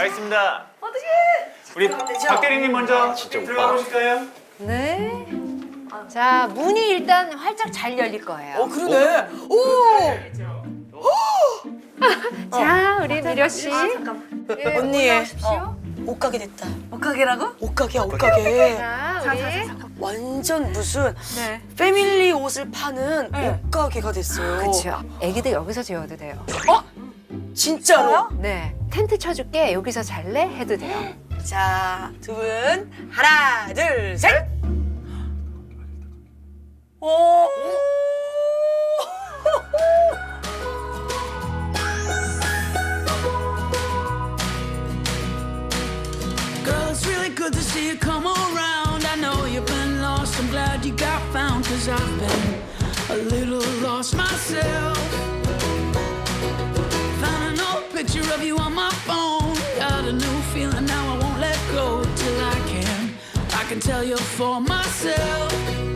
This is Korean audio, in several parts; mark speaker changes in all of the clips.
Speaker 1: 알겠습니다.
Speaker 2: 어떡해.
Speaker 1: 우리 박 대리님 먼저 들어가 보실까요?
Speaker 3: 네. 자, 문이 일단 활짝 잘 열릴 거예요.
Speaker 2: 그러네. 오.
Speaker 3: 자, 우리 미려 씨.
Speaker 2: 잠깐만.
Speaker 3: 예,
Speaker 2: 언니.
Speaker 3: 올라오십시오.
Speaker 2: 옷가게 됐다.
Speaker 4: 옷가게라고?
Speaker 2: 옷가게야, 옷가게.
Speaker 3: 자, 우리.
Speaker 2: 완전 무슨
Speaker 4: 네.
Speaker 2: 패밀리 옷을 파는 옷가게가 됐어요.
Speaker 3: 그렇죠. 애기들 여기서 재워도 돼요.
Speaker 2: 진짜로?
Speaker 3: 네. 텐트 쳐줄게. 여기서 잘래? 해도 돼요.
Speaker 2: 자, 두 분 하나, 둘, 셋. 오.
Speaker 5: Girl, it's really good to see you come around. I know you've been lost, I'm glad you got found. Cause I've been a little lost myself. Found an old picture of you on my phone. Got a new feeling now, I won't let go till I can tell you for myself.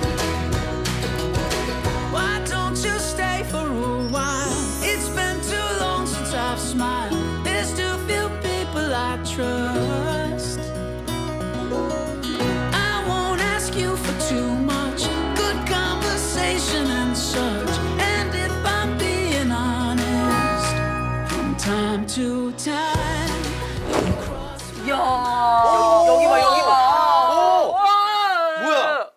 Speaker 5: Why don't you stay for a while? It's been too long since I've smiled. There's too few people I trust. I won't ask you for too much, good conversation and such. And if I'm being honest, from time to time, you cross my
Speaker 2: 여기 봐, 여기 봐.
Speaker 1: 뭐야?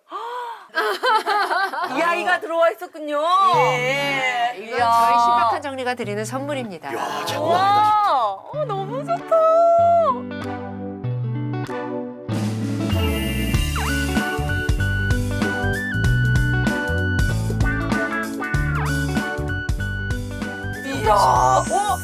Speaker 4: 이 아이가 들어와 있었군요.
Speaker 2: 예.
Speaker 3: 이건 저희 신박한 정리가 드리는 선물입니다.
Speaker 1: 야, 장난 아니다.
Speaker 4: 와, 너무 좋다.
Speaker 2: 이야.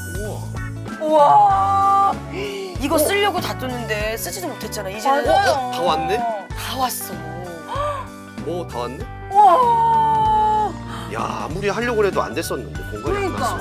Speaker 4: 우와.
Speaker 2: 이거 쓰려고 다 뒀는데 쓰지도 못했잖아. 이제는
Speaker 4: 맞아요.
Speaker 1: 다 왔네?
Speaker 2: 다 왔어.
Speaker 1: 오, 다 왔네?
Speaker 4: 우와.
Speaker 1: 야, 아무리 하려고 해도 안 됐었는데 공간이 안 났어.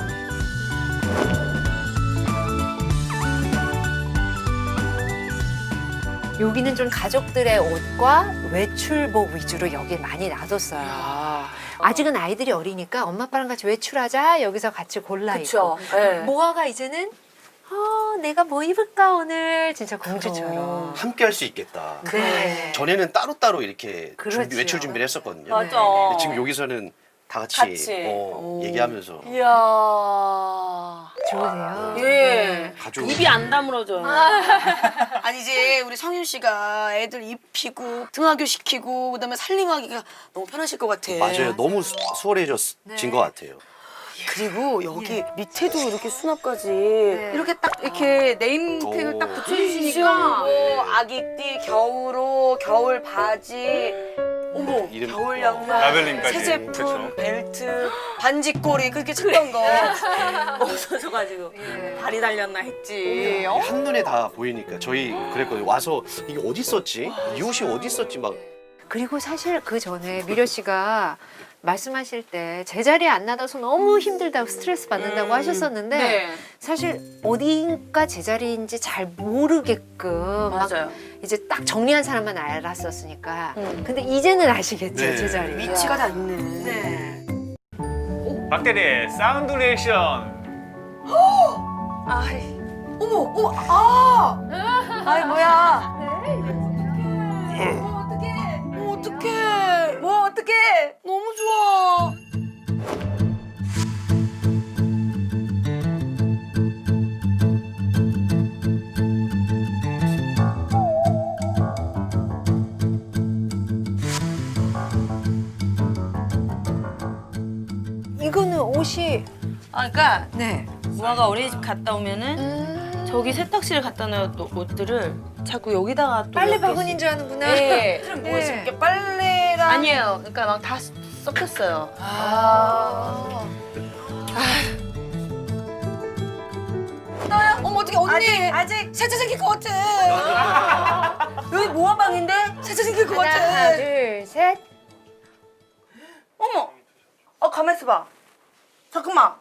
Speaker 3: 여기는 좀 가족들의 옷과 외출복 위주로 여기 많이 놔뒀어요. 아직은 아이들이 어리니까 엄마 아빠랑 같이 외출하자 여기서 같이 골라
Speaker 2: 그쵸.
Speaker 3: 입고.
Speaker 2: 네.
Speaker 3: 모아가 이제는 내가 뭐 입을까 오늘 진짜 공주처럼.
Speaker 1: 함께 할 수 있겠다.
Speaker 3: 네.
Speaker 1: 전에는 따로따로 이렇게
Speaker 3: 그렇지요.
Speaker 1: 외출 준비를 했었거든요.
Speaker 4: 맞아.
Speaker 1: 근데 지금 여기서는 다 같이,
Speaker 4: 같이.
Speaker 1: 얘기하면서
Speaker 4: 이야.
Speaker 3: 좋으세요?
Speaker 2: 예.
Speaker 1: 가족.
Speaker 4: 입이 안 다물어져요.
Speaker 2: 아니 이제 우리 성윤 씨가 애들 입히고 등하교 시키고 그다음에 살림하기가 너무 편하실 것 같아.
Speaker 1: 맞아요. 너무 수월해진 것 같아요.
Speaker 2: 그리고 여기 밑에도 이렇게 수납까지
Speaker 4: 이렇게 딱 이렇게 네임택을 딱
Speaker 1: 오.
Speaker 4: 붙여주시니까.
Speaker 2: 시원하고 아기띠 겨울옷 겨울 바지 어머
Speaker 1: 이름-
Speaker 2: 겨울 양말
Speaker 1: 라벨링까지.
Speaker 2: 새 제품
Speaker 1: 그쵸.
Speaker 2: 벨트 반지꼬리 그렇게 찾던 거
Speaker 4: 없어져가지고 발이 달렸나 했지.
Speaker 1: 한눈에 다 보이니까 저희 그랬거든요. 와서 이게 어디 있었지? 이 옷이 어디 있었지? 막
Speaker 3: 그리고 사실 그 전에 미려 씨가 말씀하실 때 제자리에 안 놔둬서 너무 힘들다고 스트레스 받는다고 하셨었는데
Speaker 4: 네.
Speaker 3: 사실 어디가 제자리인지 잘 모르게끔 막
Speaker 4: 맞아요.
Speaker 3: 이제 딱 정리한 사람만 알았었으니까 근데 이제는 아시겠죠
Speaker 1: 네.
Speaker 3: 제자리
Speaker 2: 위치가 다 있네.
Speaker 3: 네.
Speaker 1: 박대리 사운드 리액션.
Speaker 4: 아이,
Speaker 2: 어머 어머 아
Speaker 4: 아이 뭐야?
Speaker 2: 어떡해
Speaker 4: 뭐 어떡해?
Speaker 2: 너무 좋아.
Speaker 3: 이거는 옷이
Speaker 4: 그러니까
Speaker 3: 네
Speaker 4: 무아가 어린이집 갔다 오면은 저기 세탁실에 갖다 놓은 옷들을 자꾸 여기다가 또
Speaker 3: 빨래
Speaker 4: 몇 개씩-
Speaker 3: 바구니인 줄 아는구나
Speaker 4: 네.
Speaker 2: 뭐지 이렇게 빨래랑
Speaker 4: 아니에요. 그러니까 막 다 섞였어요.
Speaker 2: 어머 어떡해 언니
Speaker 4: 아직
Speaker 2: 세차 생길 것 같아.
Speaker 4: 여기 모아 방인데?
Speaker 2: 세차 생길 것
Speaker 3: 하나
Speaker 2: 같아.
Speaker 3: 둘셋
Speaker 4: 어머. 가만 있어봐. 잠깐만.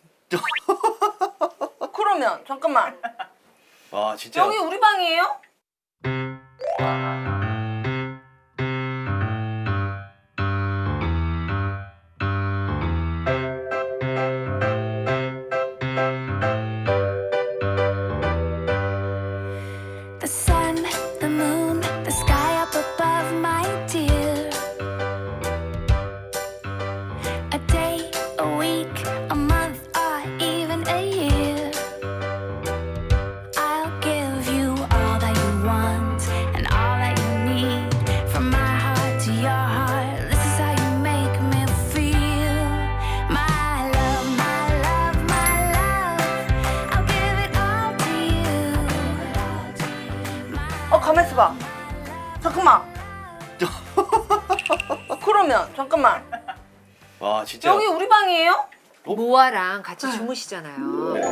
Speaker 4: 그러면 잠깐만.
Speaker 1: 와 진짜.
Speaker 4: 여기 우리 방이에요? 가만 있어봐. 잠깐만. 그러면 잠깐만.
Speaker 1: 와 진짜.
Speaker 4: 여기 우리 방이에요?
Speaker 3: 모아랑 같이 주무시잖아요.
Speaker 1: 네.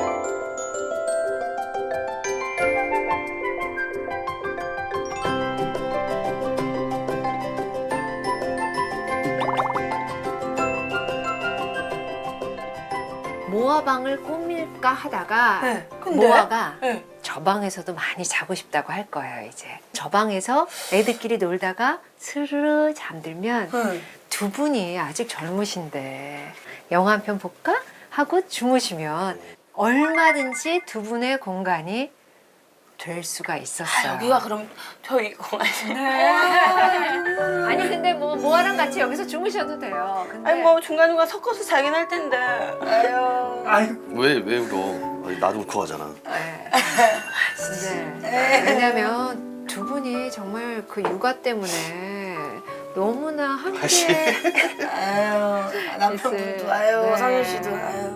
Speaker 3: 모아 방을 꾸밀까 하다가
Speaker 4: 네, 근데?
Speaker 3: 모아가
Speaker 4: 네.
Speaker 3: 저 방에서도 많이 자고 싶다고 할 거예요. 이제 저 방에서 애들끼리 놀다가 스르르 잠들면 두 분이 아직 젊으신데 영화 한 편 볼까 하고 주무시면 얼마든지 두 분의 공간이 될 수가 있었어요.
Speaker 4: 여기가 그럼 저희 공간이네.
Speaker 3: 아니 근데 뭐 모아랑 같이 여기서 주무셔도 돼요. 근데
Speaker 4: 아니 뭐 중간중간 섞어서 자긴 할 텐데. 아유.
Speaker 1: 왜 울어? 아니, 나도 울컥하잖아.
Speaker 3: 네. 왜냐면 두 분이 정말 그 육아 때문에 너무나
Speaker 1: 다시.
Speaker 3: 함께
Speaker 2: 아유 남편분도 아유
Speaker 3: 네.
Speaker 2: 성윤 씨도 아유.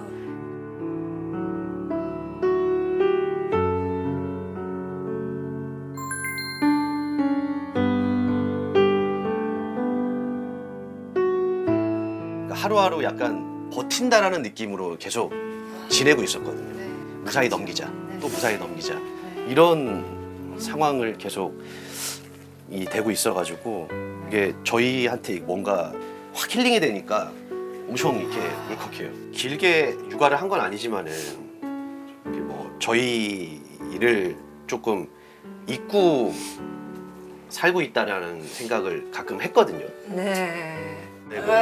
Speaker 1: 그러니까 하루하루 약간 버틴다라는 느낌으로 계속 지내고 있었거든요.
Speaker 3: 네.
Speaker 1: 무사히 넘기자,
Speaker 3: 네.
Speaker 1: 또 무사히 넘기자.
Speaker 3: 네.
Speaker 1: 이런 상황을 계속 되고 있어가지고 이게 저희한테 뭔가 확 힐링이 되니까 엄청 이렇게 울컥해요. 길게 육아를 한 건 아니지만은 이게 뭐 저희를 조금 잊고 살고 있다라는 생각을 가끔 했거든요.
Speaker 3: 네.
Speaker 1: 네, 뭐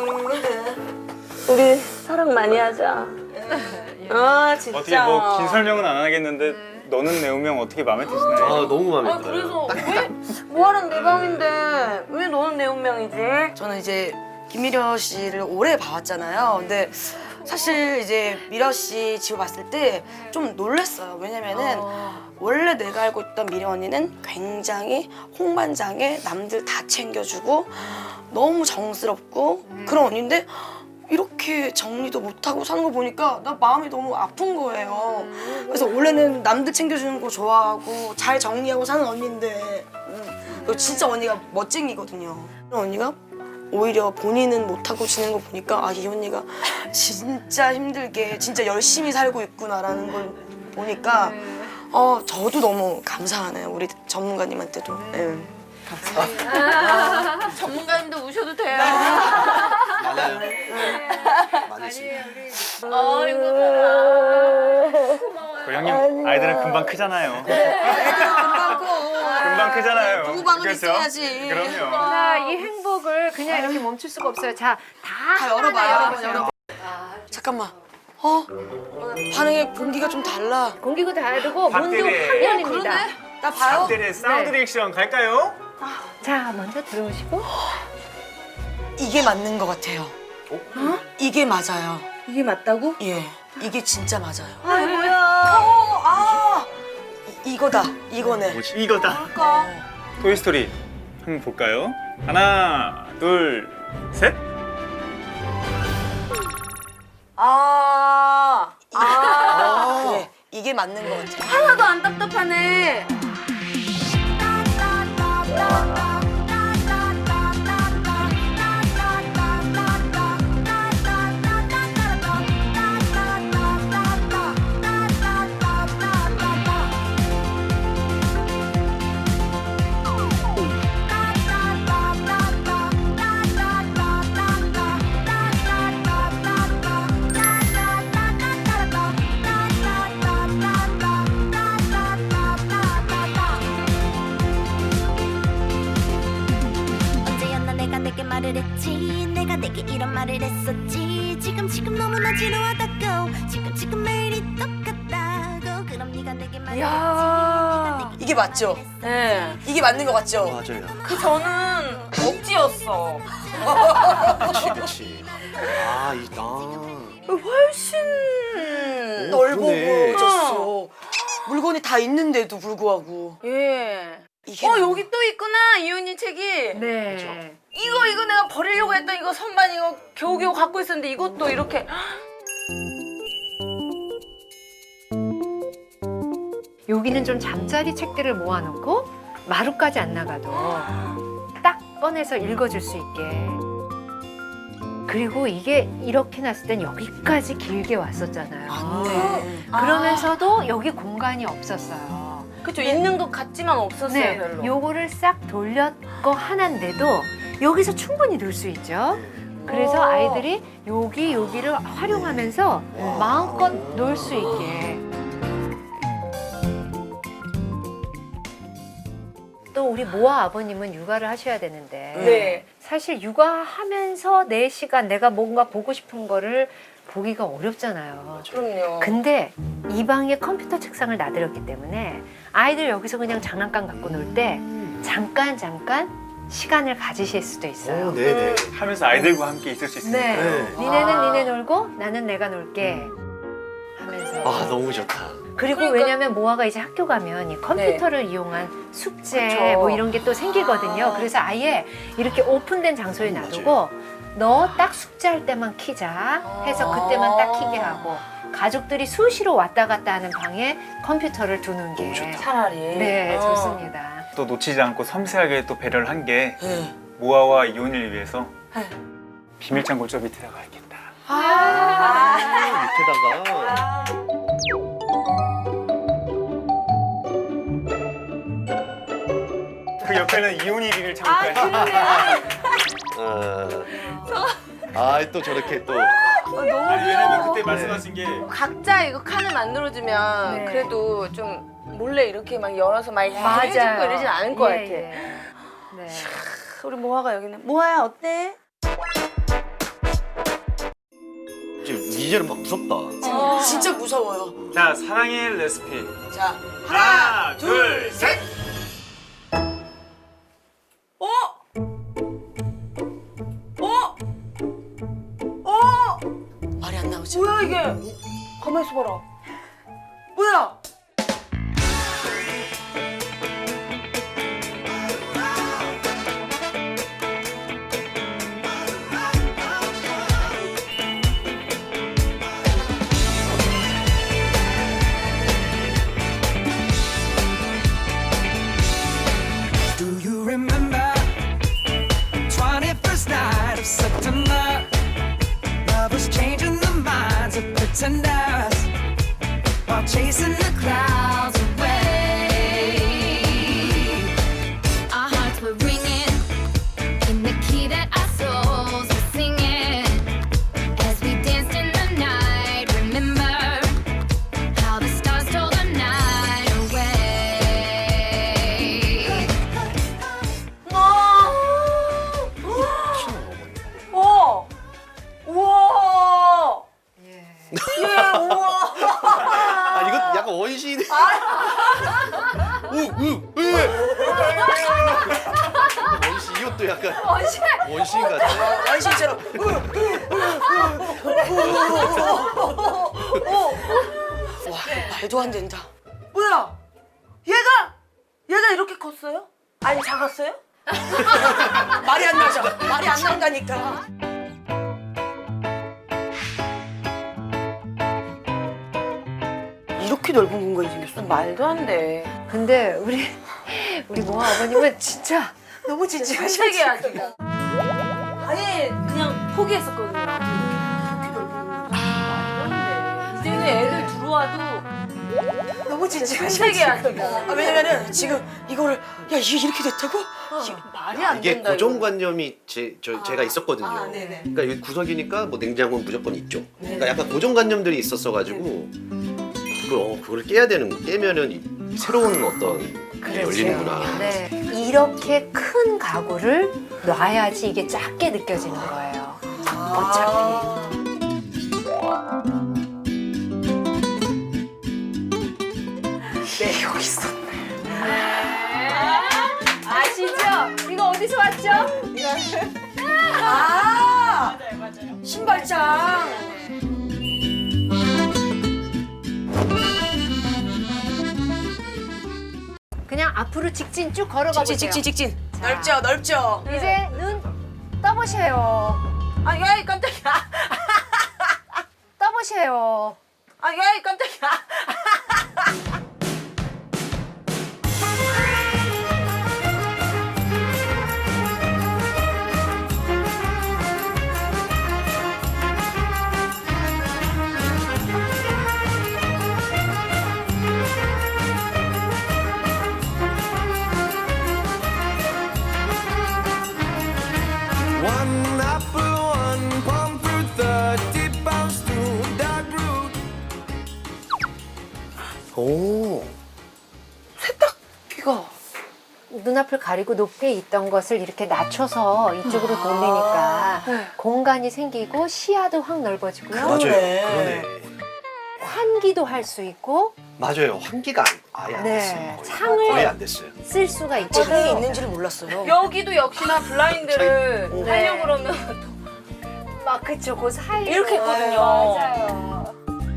Speaker 4: 우리 사랑 많이 하자. 아 진짜.
Speaker 6: 어떻게 뭐 긴 설명은 안 하겠는데 너는 내 운명 어떻게 마음에 드시나요?
Speaker 1: 아 너무 마음에
Speaker 4: 아
Speaker 1: 들어요.
Speaker 4: 그래서 왜 모아랑 내 방인데 왜 너는 내 운명이지?
Speaker 2: 저는 이제 김미려 씨를 오래 봐왔잖아요. 근데 사실 이제 미려 씨 집을 봤을 때 좀 놀랐어요. 왜냐면은 원래 내가 알고 있던 미려 언니는 굉장히 홍반장에 남들 다 챙겨주고 너무 정스럽고 그런 언니인데 이렇게 정리도 못하고 사는 거 보니까 나 마음이 너무 아픈 거예요. 그래서 원래는 남들 챙겨주는 거 좋아하고 잘 정리하고 사는 언니인데 그리고 진짜 언니가 멋쟁이거든요. 그런 언니가 오히려 본인은 못하고 지내는 거 보니까 아, 이 언니가 진짜 힘들게 진짜 열심히 살고 있구나라는 걸 보니까 저도 너무 감사하네요. 우리 전문가님한테도. 네.
Speaker 4: 전문가님도 우셔도 돼요.
Speaker 1: 많아요. 많으시.
Speaker 4: 아이고.
Speaker 6: 그 형님 아이들은 금방 크잖아요.
Speaker 2: 금방 커.
Speaker 6: 금방 크잖아요.
Speaker 2: 부부 방은
Speaker 6: 그렇죠?
Speaker 2: 있어야지.
Speaker 6: 그럼요.
Speaker 3: 자, 이 행복을 그냥 이렇게 멈출 수가 없어요. 자,
Speaker 2: 다 열어봐요. 열어봐. 잠깐만. 반응의 공기가 좀 달라.
Speaker 3: 공기가 다르고 문도
Speaker 6: 박대리.
Speaker 3: 화면입니다.
Speaker 2: 나 봐요.
Speaker 6: 박대리의 사운드
Speaker 3: 네.
Speaker 6: 리액션 갈까요?
Speaker 3: 자, 먼저 들어오시고.
Speaker 2: 이게 맞는 것 같아요. 이게 맞아요.
Speaker 4: 이게 맞다고?
Speaker 2: 예. 이게 진짜 맞아요.
Speaker 4: 아이고야.
Speaker 2: 이거다. 이거네.
Speaker 6: 이거다. 토이스토리 한번 볼까요? 하나, 둘, 셋.
Speaker 2: 그래. 이게 맞는 것 같아요.
Speaker 4: 하나도 안 답답하네.
Speaker 7: 언제였나 내가 내게 말을 했지 내가 내게 이런 말을 했었지 지금 너무나 지루하다고 지금 매일이 똑같다고 그럼 네가 내게 말했지
Speaker 2: 이게 맞죠?
Speaker 4: 네.
Speaker 2: 이게 맞는 것 같죠?
Speaker 1: 맞아요.
Speaker 4: 그 저는 억지였어.
Speaker 1: 그치.
Speaker 4: 훨씬
Speaker 2: 널
Speaker 1: 그러네.
Speaker 2: 보고 졌어. 물건이 다 있는데도 불구하고.
Speaker 4: 예.
Speaker 2: 이게
Speaker 4: 여기 또 있구나 이윤이 책이.
Speaker 3: 네.
Speaker 4: 이거 내가 버리려고 했던 이거 선반 이거 겨우겨우 갖고 있었는데 이것도 이렇게
Speaker 3: 여기는 좀 잠자리 책들을 모아놓고 마루까지 안 나가도 딱 꺼내서 읽어줄 수 있게. 그리고 이게 이렇게 놨을 땐 여기까지 길게 왔었잖아요.
Speaker 2: 네.
Speaker 3: 그러면서도 여기 공간이 없었어요.
Speaker 4: 그쵸, 있는 것 같지만 없었어요,
Speaker 3: 네,
Speaker 4: 별로.
Speaker 3: 요거를 싹 돌렸고 하나인데도 여기서 충분히 놀 수 있죠. 그래서 아이들이 여기를 활용하면서 마음껏 놀 수 있게. 또 우리 모아 아버님은 육아를 하셔야 되는데
Speaker 4: 네.
Speaker 3: 사실 육아하면서 내 시간 내가 뭔가 보고 싶은 거를 보기가 어렵잖아요.
Speaker 4: 그럼요.
Speaker 3: 근데 이 방에 컴퓨터 책상을 놔드렸기 때문에 아이들 여기서 그냥 장난감 갖고 놀 때 잠깐 시간을 가지실 수도 있어요.
Speaker 1: 네네.
Speaker 6: 하면서 아이들과 함께 있을 수 있으니까.
Speaker 3: 네.
Speaker 1: 네.
Speaker 3: 니네는 니네 놀고 나는 내가 놀게 하면서.
Speaker 1: 아 너무 좋다.
Speaker 3: 그리고 왜냐면 모아가 이제 학교 가면 이 컴퓨터를 이용한 숙제
Speaker 4: 그쵸.
Speaker 3: 뭐 이런 게 또 생기거든요. 그래서 아예 이렇게 오픈된 장소에 놔두고 너 딱 숙제할 때만 키자 해서 그때만 딱 키게 하고 가족들이 수시로 왔다 갔다 하는 방에 컴퓨터를 두는 게
Speaker 4: 차라리.
Speaker 3: 네, 좋습니다.
Speaker 6: 또 놓치지 않고 섬세하게 또 배려를 한 게
Speaker 2: 네.
Speaker 6: 모아와 이혼을 위해서
Speaker 2: 네.
Speaker 6: 비밀 창고 저 밑에다가 있겠다.
Speaker 1: 밑에다가.
Speaker 6: 그 옆에는 이혼이 비밀 창고까지.
Speaker 1: 아또 저렇게 또.
Speaker 6: 아니 왜냐면 그때 말씀하신 게
Speaker 4: 각자 이거 칸을 만들어주면
Speaker 3: 네.
Speaker 4: 그래도 좀 몰래 이렇게 막 열어서 막 이렇게
Speaker 3: 맞아요.
Speaker 4: 해주고 이러진 않을 것 같아.
Speaker 3: 네.
Speaker 4: 우리 모아가 여기 있네. 모아야 어때?
Speaker 1: 지금 이제는 막 무섭다.
Speaker 2: 진짜 무서워요.
Speaker 6: 자, 사랑의 레시피.
Speaker 2: 자,
Speaker 6: 하나, 둘, 셋.
Speaker 2: 말이 안 나오지.
Speaker 4: 뭐야 이게? 가만히 있어봐라. 뭐야?
Speaker 5: Do you remember 21st night of September? Lovers changing the minds of pretenders while chasing the clouds away.
Speaker 7: Our hearts were ringing in the key that our souls were singing as we danced in the night. Remember how the stars stole the night away.
Speaker 4: 우와!
Speaker 1: 아 이거 약간 원시인. 원시 이것도 약간 원시인 같아.
Speaker 2: 원신처럼. 와, 말도 안 된다.
Speaker 4: 뭐야? 얘가 이렇게 컸어요? 아니 작았어요?
Speaker 2: 말이 안 나죠. 말이 안 나온다니까. 이렇게 넓은 공간이 생겼어.
Speaker 4: 말도 안 돼.
Speaker 3: 근데 우리 모아 아버님은 진짜
Speaker 2: 너무 진지하셔.
Speaker 4: 신세계 아직. 아예 그냥 포기했었거든요. 이제는 애들 들어와도
Speaker 2: 너무 진지하셔.
Speaker 4: 신세계 아직.
Speaker 2: 왜냐면은 지금 이거를 야 이게 이렇게 됐다고?
Speaker 4: 말이 안
Speaker 1: 이게
Speaker 4: 된다.
Speaker 1: 고정관념이 제가 있었거든요.
Speaker 2: 네네.
Speaker 1: 그러니까 여기 구석이니까 뭐 냉장고는 무조건 있죠. 그러니까 약간 고정관념들이 있었어가지고 그걸 깨면은 새로운 어떤 게 열리는구나.
Speaker 3: 네. 이렇게 큰 가구를 놔야지 이게 작게 느껴지는 거예요. 어차피.
Speaker 2: 네 여기 있었네.
Speaker 3: 아시죠? 이거 어디서 왔죠?
Speaker 2: 아 신발장.
Speaker 3: 그냥 앞으로 직진 쭉 걸어가 보세요.
Speaker 2: 직진. 넓죠.
Speaker 3: 이제 눈 떠보세요.
Speaker 4: 아, 야, 깜짝이야.
Speaker 3: 떠보세요.
Speaker 4: 아, 야, 깜짝이야.
Speaker 2: 여기가
Speaker 3: 눈앞을 가리고 높게 있던 것을 이렇게 낮춰서 이쪽으로 돌리니까 공간이 생기고 시야도 확 넓어지고요.
Speaker 1: 맞아요.
Speaker 2: 그러네.
Speaker 1: 그러네.
Speaker 3: 환기도 할 수 있고
Speaker 1: 맞아요. 환기가 아예 안
Speaker 3: 네.
Speaker 1: 됐어요.
Speaker 3: 창을
Speaker 1: 거의 안 됐어요.
Speaker 3: 쓸 수가
Speaker 2: 창이
Speaker 3: 있거든요.
Speaker 2: 있는지를 몰랐어요.
Speaker 4: 여기도 역시나 블라인드를
Speaker 3: 네.
Speaker 4: 하려고 그러면
Speaker 3: 막 그쵸, 그 사이
Speaker 4: 이렇게 했거든요.
Speaker 3: 맞아요.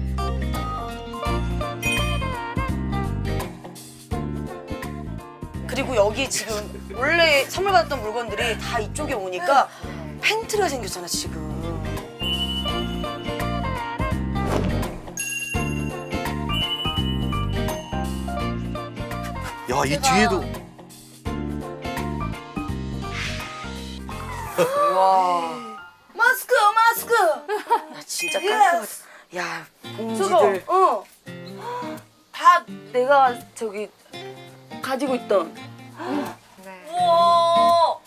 Speaker 2: 그리고 여기 지금 원래 선물 받았던 물건들이 다 이쪽에 오니까 팬트리가 생겼잖아 지금.
Speaker 1: 야, 이 뒤에도
Speaker 2: 와. 마스크 마스크. 야 진짜 깔끔하다. 야 봉지들.
Speaker 4: 다 내가 저기 가지고 있던.
Speaker 3: 네.
Speaker 4: 우와.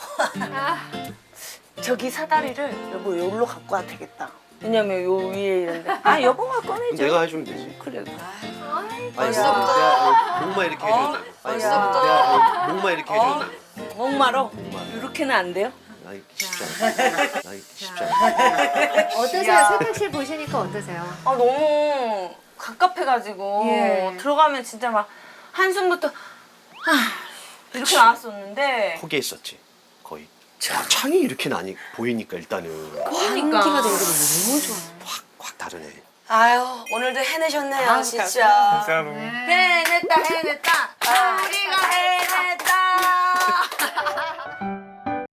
Speaker 2: 저기 사다리를 여보 여기로 갖고 와도 되겠다.
Speaker 4: 왜냐면 요 위에 이런데. 아 여보가 꺼내줘.
Speaker 1: 내가 해주면 되지.
Speaker 4: 그래.
Speaker 2: 벌써부터.
Speaker 1: 내가 목마 이렇게 해준다.
Speaker 2: 벌써부터.
Speaker 1: 내가 목마 이렇게 해준다.
Speaker 4: 목마로. 이렇게는 안 돼요?
Speaker 1: 나 이거 쉽지 않아. 나 이거 쉽지 않아.
Speaker 3: 어떠세요? 세탁실 보시니까 어떠세요?
Speaker 4: 아 너무 갑갑해가지고
Speaker 3: 예.
Speaker 4: 들어가면 진짜 막 한숨부터 이렇게 나왔었는데
Speaker 1: 포기했었지. 거의. 창이 이렇게 나니 보이니까 일단은
Speaker 2: 환기가 되는 게 너무 좋아.
Speaker 1: 확 다르네.
Speaker 2: 아유 오늘도 해내셨네요 진짜.
Speaker 6: 진짜로.
Speaker 4: 해냈다 우리가